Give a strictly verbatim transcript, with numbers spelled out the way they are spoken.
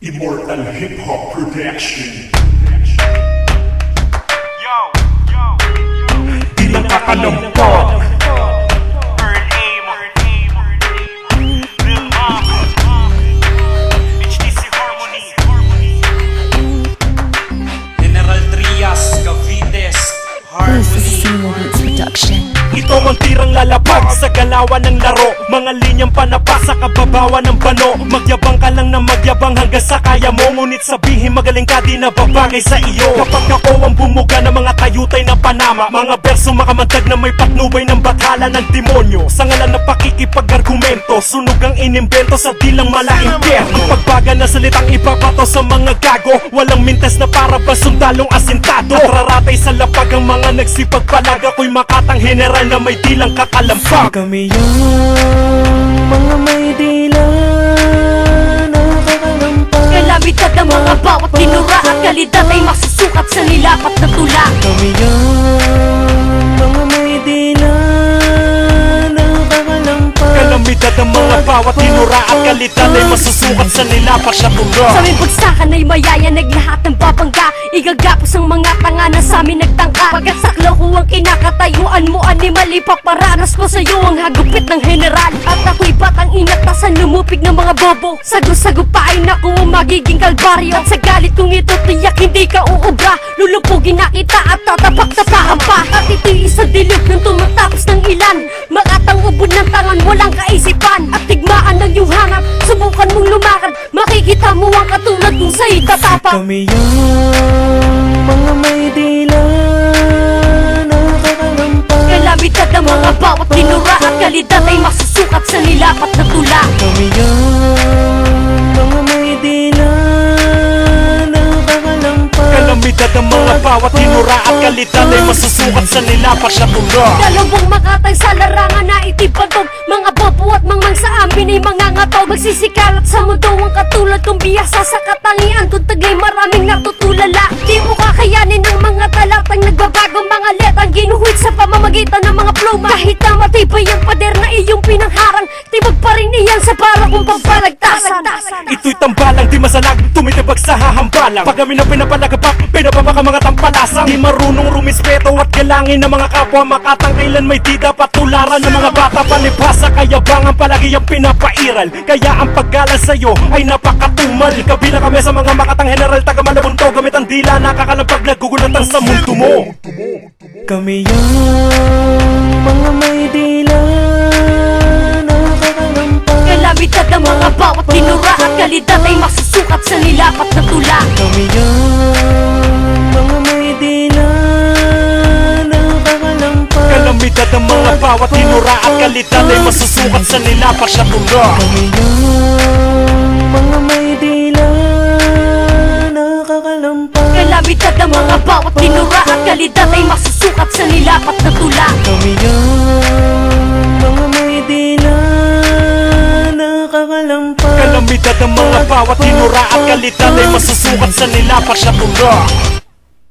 Immortal Hip Hop Production. Yo, yo, yo. Ilang kakalampag, Earl Aim, Lil Mom, H D C Harmony, General Trias, Cavites, Harmony. Production. Ito ang tirang lalapag sa galawan ng laro. Mga linyang panapa sa kababawan ng bano. Magyabang ka lang na magyabang hanggang sa kaya mo. Ngunit sabihin magaling ka di na babagay sa iyo. Kapag ako ang bumuga ng mga tayutay na panama, mga berso makamandag na may patnubay ng bathala ng demonyo. Sa ngalan ng pakikipag-argumento, sunog ang inimbento sa dilang mala-impyerno. Ang pagbaga na salitang ipapato sa mga gago, walang mintes na para ba sundalong asintado. At raratay sa lapag ang mga nagsipagpalag. Ako'y makatang general na may dilang kakalampag. Kami yung mga may dila na kakalampag. Kalamitan ng mga bawat tinura at kalidad ay masusukat sa nilapat na tula. Kami yung mga may dila na kakalampag. Kalamidad ang mga bawat tinura at kalidad ay masusukat sa nilapat na tula. Sa aming bagsakan ay mayayanag lahat ng babangga. Igagapos ang mga tanga na sa amin nagtangka. Pagkat saklo ko ang kinakatayuan mo, animal, ipaparanas ko sa'yo ang hagupit ng general. At ako'y batang inatasan, lumupig ng mga bobo. Sago-sagupain ako ang magiging kalbaryo. At sa galit kong ito, tiyak hindi ka uubra. Lulupugin na kita at tatapak-tapakan pa. At ito'y isang dilog ng tumatapos ng ilan. Makatang ubod ng tangan, walang kaisipan. At tigmaan ng iyong hanap, subukan mong lumakad. Makikita mo ang katulad kung sa'y tatapak. Kami yung mga may dila na kakalampag. Kalamitan ng mga bawat tinura at kalidad ay masusukat sa nilapat na tula. Kami yung mga may dila na kakalampag. Kalamidad ang mga bawat tinura at kalidad ay masusukat sa nilapat na tula. Dalawang makatang sa larangan na itipatog. Mga bobo at mangmang sa amin ay mga ngataw. Magsisikalat sa mundo ang katulad kong biyasa sa katangian. Kung tagay maraming natutulala. Di mo kakayanin ang mga talatang nagbabagong mga letang ginuhit sa pamamagitan ng mga pluma. Kahit na matibay ang pader na iyong pinangharang, tibag pa rin iyan sa para kong pagbalagtasan. Ito'y tambalang di masalag, tumitibag sa hahambalang. Pag kami na pinapalagapak, pinapabaka mga tampalasang. Di marunong rumispeto at galangin ng mga kapwa. Makatang kailan may di dapat tularan ng mga bata. Palibhasa kayabangan palagi ang pinapairal. Kaya ang paggalan sa'yo ay napakatumal. Kabila kami sa mga makatang general, taga malabunto. Gamit ang dila, nakakalampag, nagugulatan sa mundo mo. Kami yung mga may dila na kakalampag. Kalamitan ng mga bawat tinura at kalidad ay masusukat sa nilapat na tula. Kami yung mga may dila na kakalampag. Kalamidad ang mga bawat tinura at kalidad ay masusukat sa nilapat na tula. Kami yung mga may dila na kakalampag. Kalamitan ng mga bawat tinura at kalidad ay masusukat sa nilapat na tula. Kami yung mga may dila na kakalampag. Kalamidad ang mga bawat tinura at kalidad ay masusukat sa nilapat na tula.